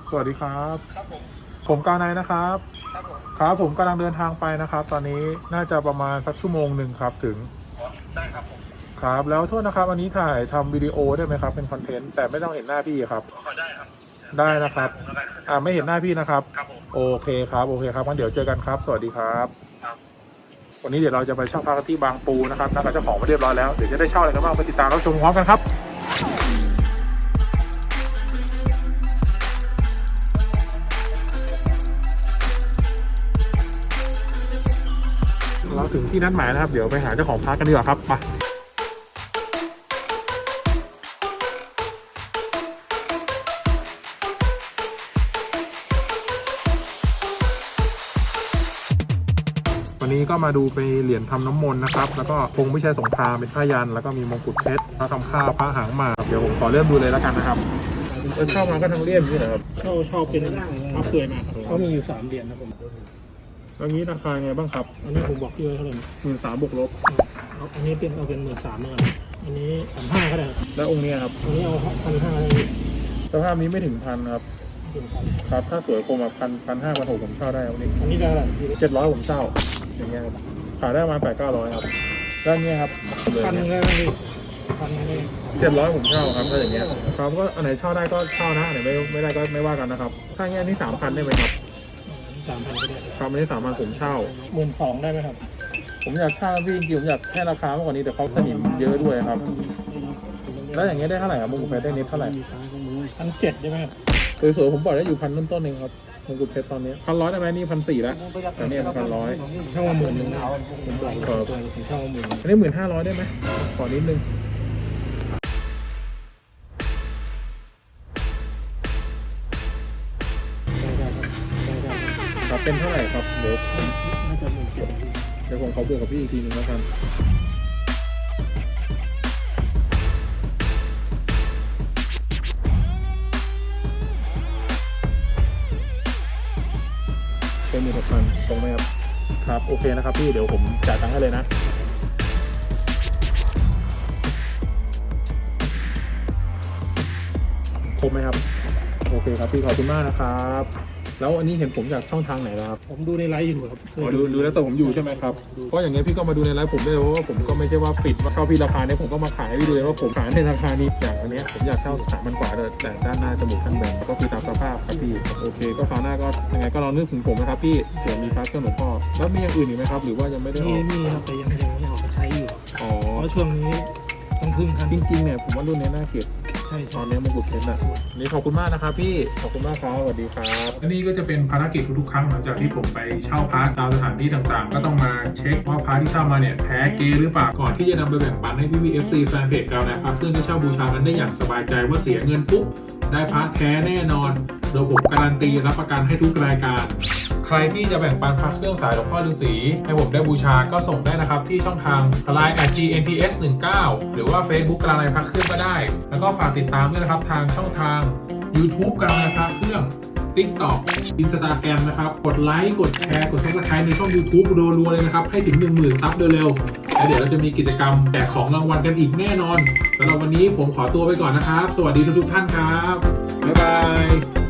สวัสดีครับครับผมผมกาไนนะครับครับผมครับผมกำลังเดินทางไปนะครับตอนนี้น่าจะประมาณสักชั่วโมงหนึ่งครับถึงอ๋อได้ครับผมครับแล้วโทษนะครับอันนี้ถ่ายทำวิดีโอได้ไหมครับเป็นคอนเทนต์แต่ไม่ต้องเห็นหน้าพี่ครับขอได้ครับได้เห็นะครับหาผมแล้วกันไม่เห็นหน้าพี่นะครับครับผมโอเคครับโอเคครับงั้นเดี๋ยวเจอกันครับสวัสดีครับครับวันนี้เดี๋ยวเราจะไปเช่าพักที่บางปูนะครับนัดกับเจ้าของมาเรียบร้อยแล้วเดี๋ยวจะได้เช่าอะไรกันบ้างไปติดตามรับชมพร้อมกันครับเราถึงที่นัดหมายนะครับเดี๋ยวไปหาเจ้าของพักกันดีกว่าครับไปวันนี้ก็มาดูไปเหรียญทำน้ำมนต์นะครับแล้วก็ธงพิชัยสงครามเป็นผ้ายันแล้วก็มีมงกุฎเพชรพระทำข้าวพระหางหมากเดี๋ยวผมขอเริ่มดูเลยแล้วกันนะครับเข้ามาก็ทั้งเลี่ยมนี่นะครับชอบเป็นมะเฟือยมาครับเขามีอยู่3 เหรียญนะผมแล้วนี้ราคาไงบ้างครับอันนี้ผมบอกพี่ไว้เท่าไหร่นะ 13,000 บวกลบอันนี้เป็นเอาเป็น13,000แล้วกันอันนี้1,500ก็ได้ครับแล้วองค์นี้ครับอันนี้เอา1,500ได้สภาพนี้ไม่ถึงพันครับถึงพันครับถ้าสวยคมแบบ1,500 1,600ผมเช่าได้องค์นี้อันนี้ได้เท่าไหร่พี่ 700ผมเช่าอย่างเงี้ยครับขายได้ประมาณ800-900ครับแล้วอันเนี้ยครับเลย 1,000 เนี่ยได้ไหมพี่1,000ได้ 700ผมเช่าครับถ้าอย่างเงี้ยครับก็อันไหนเช่าได้ก็เช่านะอันไหนไม่ได้ก็ไม่ว่ากันนะครับถ้าอย่างเงี้ยนี่3,000ได้ไหมครับ 3,000ก็ได้ครับอันนี้3,000ผมเช่า 12,000ได้ไหมครับผมอยากเช่าพี่จริงๆผมอยากแค่ราคามากกว่านี้แต่เขาสนิมเยอะด้วยครับแล้วอย่างเงี้ยได้เท่าไหร่ครับมงกุฎเพชรได้เน็ตเท่าไหร่ 1,700ได้ไหมครับสวยๆผมบอกได้อยู่1,000ต้นๆเองครับมงกุฎเพชรตอนนี้1,100ได้ไหมนี่1,400แล้วแต่เนี่ย1,100 เช่ามา10,000นะผมบอกเลยผมเช่ามา10,000 อันนี้1,500ได้ไหมขอนิดนึงครับเป็นเท่าไหร่ครับเดี๋ยวน่าจะ17,000 เดี๋ยวผมขอบวกกับพี่อีกทีนึงแล้วกันเป็น16,000ตรงไหมครับครับโอเคนะครับพี่เดี๋ยวผมจ่ายตังค์ให้เลยนะครบไหมครับโอเคครับพี่ขอบคุณมากนะครับแล้วอันนี้เห็นผมจากช่องทางไหนนะครับผมดูในไลฟ์อยู่ครับดูแล้วแต่ผมอยู่ใช่ไหมครับเพราะอย่างเงี้ยพี่ก็มาดูในไลฟ์ผมได้เพราะว่าผมก็ไม่ใช่ว่าปิดว่าเข้าพี่ราคาเนี้ยผมก็มาขายให้พี่ดูเลยว่าผมขายในราคานี้อย่างอันเนี้ยผมอยากเช่า3,000 กว่าเลยแต่ด้านหน้าจมูกข้างแบนก็คือตามสภาพครับพี่โอเคก็คราวหน้าก็ยังไงก็ลองนึกถึงผมนะครับพี่เผื่อมีพระเครื่องหลวงพ่อแล้วมีอย่างอื่นอีกไหมครับหรือว่ายังไม่ได้ออกนี่ครับแต่ยังไม่ออกมาใช้อยู่อ๋อเพราะช่วงนี้ต้องพึ่งท่านจริงๆเนี่ยผมว่ารุ่นนี้น่าเก็บใช่ตอนนี้มงกุฎเพชรนะนี่ขอบคุณมากนะครับพี่ขอบคุณมากครับสวัสดีครับและนี่ก็จะเป็นภารกิจทุกๆครั้งหลังจากที่ผมไปเช่าพระตามสถานที่ต่างๆ ก็ต้องมาเช็คว่าพระที่เช่ามาเนี่ยแท้เก๊หรือเปล่าก่อนที่จะนำไปแบ่งปันให้พี่ๆ FC แฟนเพจเรานะพระเครื่องที่เช่าบูชากันได้อย่างสบายใจว่าเสียเงินปุ๊บได้พระแท้แน่นอนโดยผมการันตีรับประกันให้ทุกรายการใครที่จะแบ่งปันพระเครื่องสายหลวงพ่อฤาษีให้ผมได้บูชาก็ส่งได้นะครับที่ช่องทาง LINE @GNPS19 หรือว่า Facebook กลางในพระเครื่องก็ได้แล้วก็ฝากติดตามด้วยนะครับทางช่องทาง YouTube กลางในพระเครื่อง TikTok Instagram นะครับกดไลค์กดแชร์กด Subscribe ในช่อง YouTube รัวๆเลยนะครับให้ถึง 10,000 ซับเร็วๆแล้วเดี๋ยวเราจะมีกิจกรรมแจกของรางวัลกันอีกแน่นอนสำหรับวันนี้ผมขอตัวไปก่อนนะครับสวัสดีทุกๆท่านครับบ๊ายบาย